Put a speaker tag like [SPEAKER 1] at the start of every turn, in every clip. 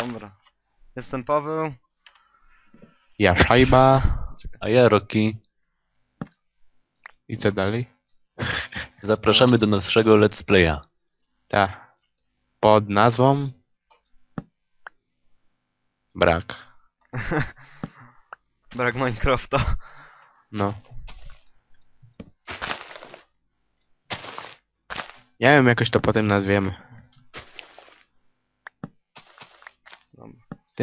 [SPEAKER 1] Dobra. Jestem Paweł.
[SPEAKER 2] Ja Szajba.
[SPEAKER 3] A ja Rocky.
[SPEAKER 2] I co dalej?
[SPEAKER 3] Zapraszamy do naszego let's playa.
[SPEAKER 2] Tak. Pod nazwą... Brak.
[SPEAKER 1] Brak Minecrafta.
[SPEAKER 2] No. Nie wiem, jakoś to potem nazwiemy.
[SPEAKER 1] Dobra.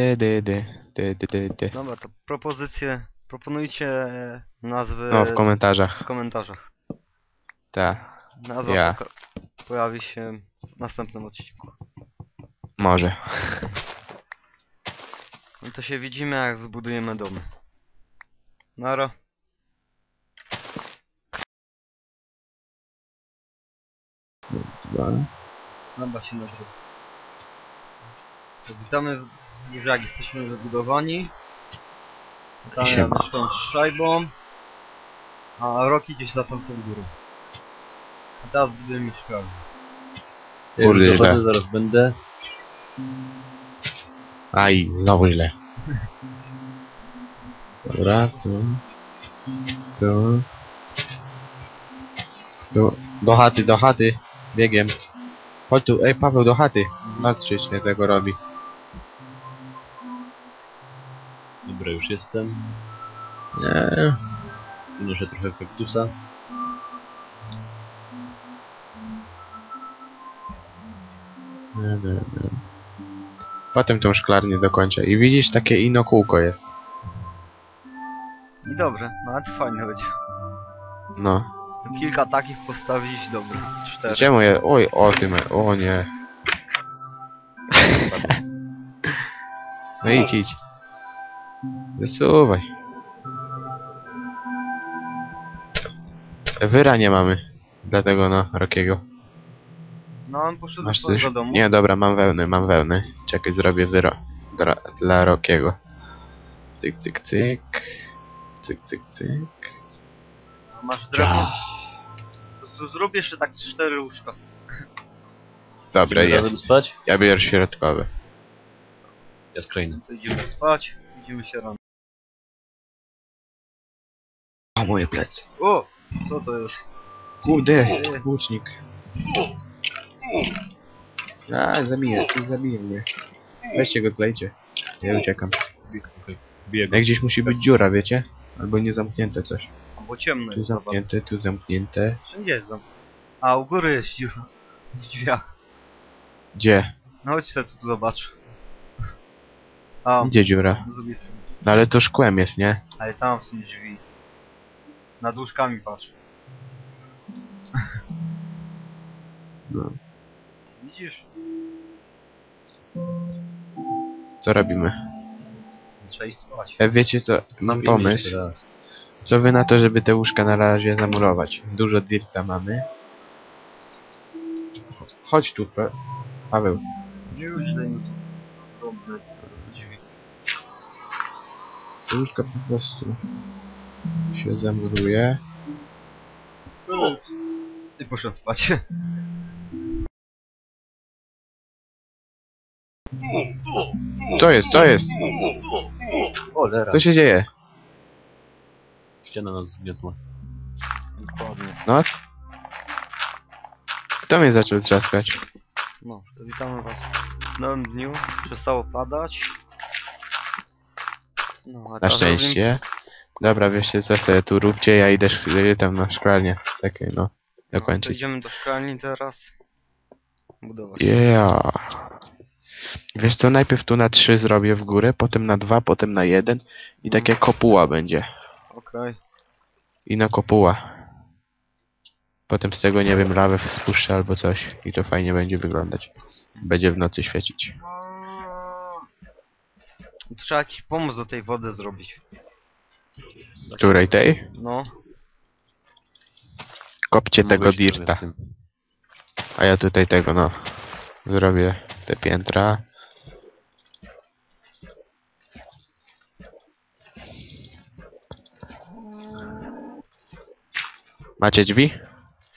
[SPEAKER 2] Ty.
[SPEAKER 1] Dobra, to proponujcie nazwy
[SPEAKER 2] No, w komentarzach.
[SPEAKER 1] w komentarzach.
[SPEAKER 2] Tak.
[SPEAKER 1] Nazwa
[SPEAKER 2] Ja.
[SPEAKER 1] pojawi się w następnym odcinku.
[SPEAKER 2] Może.
[SPEAKER 1] No to się widzimy, jak zbudujemy domy. Nara. Dobra, się nagrywa. Witamy, że jak jesteśmy wybudowani. Tam ja
[SPEAKER 2] Siema.
[SPEAKER 1] mieszkam z Szajbą, a Rocky gdzieś za tamtą górą. A teraz budujemy mieszkanie.
[SPEAKER 3] Ja już
[SPEAKER 2] Kurde,
[SPEAKER 3] dochodzę,
[SPEAKER 2] źle.
[SPEAKER 3] zaraz będę.
[SPEAKER 2] Aj, znowu źle. Dobra, tu. Do chaty. Biegiem. Chodź tu, ej Paweł, do chaty. Patrzcie się, tego robi.
[SPEAKER 3] Dobra, już jestem.
[SPEAKER 2] Nie.
[SPEAKER 3] Przynoszę trochę kaktusa.
[SPEAKER 2] Nie. Potem tą szklarnię dokończę. I widzisz, takie ino kółko jest.
[SPEAKER 1] I dobrze, nawet fajnie będzie.
[SPEAKER 2] No.
[SPEAKER 1] Kilka takich postawić, dobra. 4.
[SPEAKER 2] Czemu je... Oj, o tym... O nie. No idź. Zasuwaj. Wyra nie mamy. Dlatego no, Rockiego.
[SPEAKER 1] No on poszedł
[SPEAKER 2] Masz
[SPEAKER 1] do
[SPEAKER 2] coś?
[SPEAKER 1] do domu.
[SPEAKER 2] Nie, dobra, mam wełnę. Czekaj, zrobię wyro. Dla Rockiego. Cyk.
[SPEAKER 1] A masz drewno? Zrób jeszcze tak z 4 łóżka.
[SPEAKER 2] Dobra,
[SPEAKER 3] Idziemy razem
[SPEAKER 2] jest.
[SPEAKER 3] spać?
[SPEAKER 2] Ja biorę środkowy.
[SPEAKER 3] Ja skrajny.
[SPEAKER 1] To idziemy spać, widzimy się rano.
[SPEAKER 2] A moje plecy.
[SPEAKER 1] O! Co to jest?
[SPEAKER 2] Kurde, łucznik. A, zabije mnie. Weźcie go, klejcie. Ja uciekam.
[SPEAKER 3] Biegł.
[SPEAKER 2] Jak gdzieś musi być dziura, wiecie? Albo nie zamknięte coś.
[SPEAKER 1] Bo ciemno
[SPEAKER 2] Tu
[SPEAKER 1] jest, zobacz.
[SPEAKER 2] zamknięte, tu zamknięte.
[SPEAKER 1] Wszędzie jest zamknięte. A u góry jest dziura. W drzwiach.
[SPEAKER 2] Gdzie?
[SPEAKER 1] No chodź sobie tu zobacz. A,
[SPEAKER 2] Gdzie dziura?
[SPEAKER 1] z drugiej strony.
[SPEAKER 2] No ale to szkłem jest, nie?
[SPEAKER 1] Ale tam są drzwi. Nad łóżkami patrz.
[SPEAKER 2] No.
[SPEAKER 1] Widzisz?
[SPEAKER 2] Co robimy?
[SPEAKER 1] Trzeba iść spać.
[SPEAKER 2] Wiecie co? Mam
[SPEAKER 3] Śpimy
[SPEAKER 2] pomysł.
[SPEAKER 3] jeszcze raz.
[SPEAKER 2] Co wy na to, żeby te łóżka na razie zamurować? Dużo dirta mamy. Chodź tu, Paweł.
[SPEAKER 1] Już dajmy tu. Dobrze. Drzwi.
[SPEAKER 2] Te łóżka po prostu się zamuruje.
[SPEAKER 1] I poszedł spać.
[SPEAKER 2] Co jest?
[SPEAKER 3] Cholera.
[SPEAKER 2] Co się dzieje?
[SPEAKER 3] Ściana nas zgniotła.
[SPEAKER 1] Dokładnie.
[SPEAKER 2] Noc? Kto mnie zaczął trzaskać?
[SPEAKER 1] No, to witamy was w nowym dniu. Przestało padać. No, a
[SPEAKER 2] Na
[SPEAKER 1] teraz
[SPEAKER 2] szczęście. Dobra, wiecie co sobie tu róbcie, ja idę tam na szklarnię. Takie no,
[SPEAKER 1] No, to
[SPEAKER 2] dokończyć.
[SPEAKER 1] idziemy do szklarni teraz. Budować.
[SPEAKER 2] Yeah. Wiesz co, najpierw tu na 3 zrobię w górę, potem na 2, potem na 1 i takie kopuła będzie.
[SPEAKER 1] Okej.
[SPEAKER 2] I na kopuła. Potem z tego, nie wiem, lawę spuszczę albo coś i to fajnie będzie wyglądać. Będzie w nocy świecić.
[SPEAKER 1] Trzeba jakiś pomoc do tej wody zrobić.
[SPEAKER 2] Której tej?
[SPEAKER 1] No.
[SPEAKER 2] Kopcie tego
[SPEAKER 3] Mogłeś trochę
[SPEAKER 2] dirta.
[SPEAKER 3] z tym.
[SPEAKER 2] A ja tutaj tego, no. Zrobię te piętra. Macie drzwi?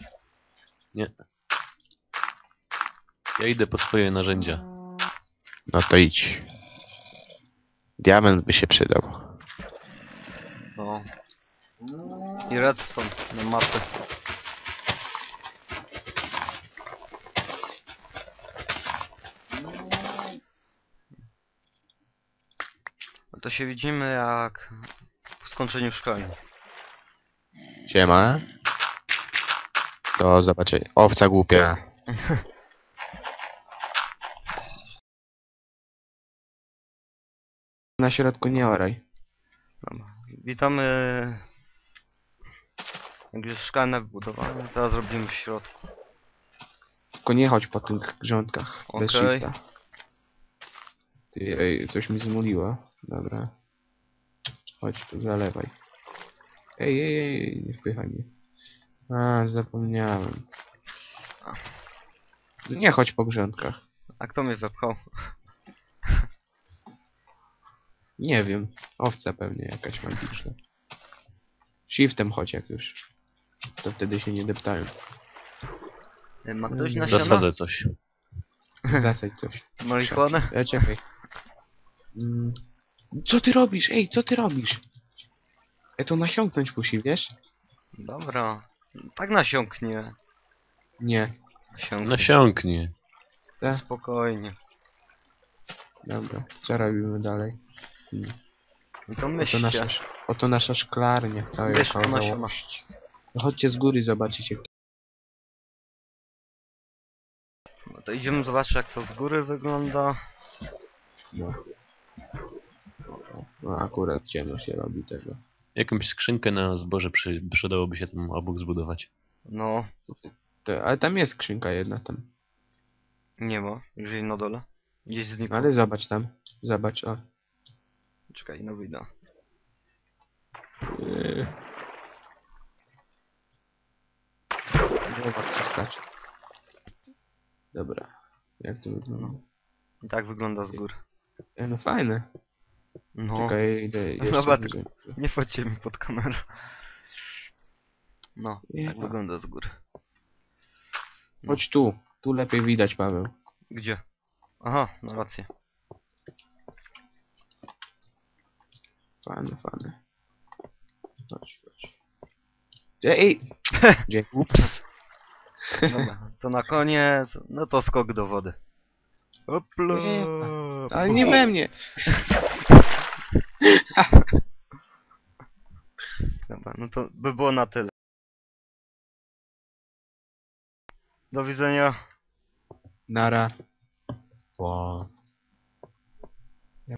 [SPEAKER 3] Nie. Ja idę po swoje narzędzia.
[SPEAKER 2] No to idź. Diament by się przydał.
[SPEAKER 1] No. I redstone na mapę. No to się widzimy jak po skończeniu szkoleń.
[SPEAKER 2] Siema. Do zobaczenia. Owca głupia. Na środku nie oraj.
[SPEAKER 1] Dobra. Witamy. Jak już szklane wybudowane, zaraz robimy w środku.
[SPEAKER 2] Tylko nie chodź po tych grządkach. Bez
[SPEAKER 1] Okej.
[SPEAKER 2] shifta. Ty, ej, coś mi zmuliło. Dobra. Chodź tu, zalewaj. Ej, nie wpychaj mnie. A, zapomniałem. Nie chodź po grządkach.
[SPEAKER 1] A kto mnie wepchał?
[SPEAKER 2] Nie wiem. Owca pewnie jakaś magiczna. Shiftem chodź jak już. To wtedy się nie deptają.
[SPEAKER 1] Ma ktoś nasiona?
[SPEAKER 3] Zasadzę coś.
[SPEAKER 2] Zasadź coś.
[SPEAKER 1] Marihuanę?
[SPEAKER 2] Czekaj. Co ty robisz? Ej, co ty robisz? To nasiąknąć musi, wiesz?
[SPEAKER 1] Dobra. Tak nasiąknie.
[SPEAKER 2] Nie.
[SPEAKER 1] Nasiąknie.
[SPEAKER 3] Nasiąknie.
[SPEAKER 2] Tak?
[SPEAKER 1] Spokojnie.
[SPEAKER 2] Dobra. Co robimy dalej?
[SPEAKER 1] I to
[SPEAKER 2] Oto nasza szklarnia. Całej
[SPEAKER 1] Myszka nasiona.
[SPEAKER 2] okazałości. No chodźcie z góry zobaczyć jak...
[SPEAKER 1] No to idziemy zobaczyć jak to z góry wygląda.
[SPEAKER 2] No. No akurat ciemno się robi tego.
[SPEAKER 3] Jakąś skrzynkę na zboże przydałoby się tam obok zbudować.
[SPEAKER 1] No.
[SPEAKER 2] Ale tam jest skrzynka jedna tam.
[SPEAKER 1] Nie ma. Już jej na dole. Gdzieś znikło.
[SPEAKER 2] Ale zobacz tam. Zobacz, o.
[SPEAKER 1] Czekaj, no wyjdę.
[SPEAKER 2] Głowa wciskać. Dobra. Jak to wygląda?
[SPEAKER 1] I tak wygląda z góry.
[SPEAKER 2] No fajne.
[SPEAKER 1] No.
[SPEAKER 2] Czekaj, idę jeszcze
[SPEAKER 1] Dobra,
[SPEAKER 2] bliżej.
[SPEAKER 1] Nie wchodźcie mi pod kamerę. No,
[SPEAKER 2] Nie.
[SPEAKER 1] tak wygląda z góry.
[SPEAKER 2] Chodź tu. Tu lepiej widać, Paweł.
[SPEAKER 1] Gdzie? Aha, no rację.
[SPEAKER 2] Fajne. Chodź. Ej! Gdzie?
[SPEAKER 3] Ups.
[SPEAKER 1] Dobra, to na koniec. No to skok do wody. Hopla.
[SPEAKER 2] Nie, ale nie we mnie.
[SPEAKER 1] Dobra, no to by było na tyle. Do widzenia.
[SPEAKER 2] Nara.
[SPEAKER 3] Wow.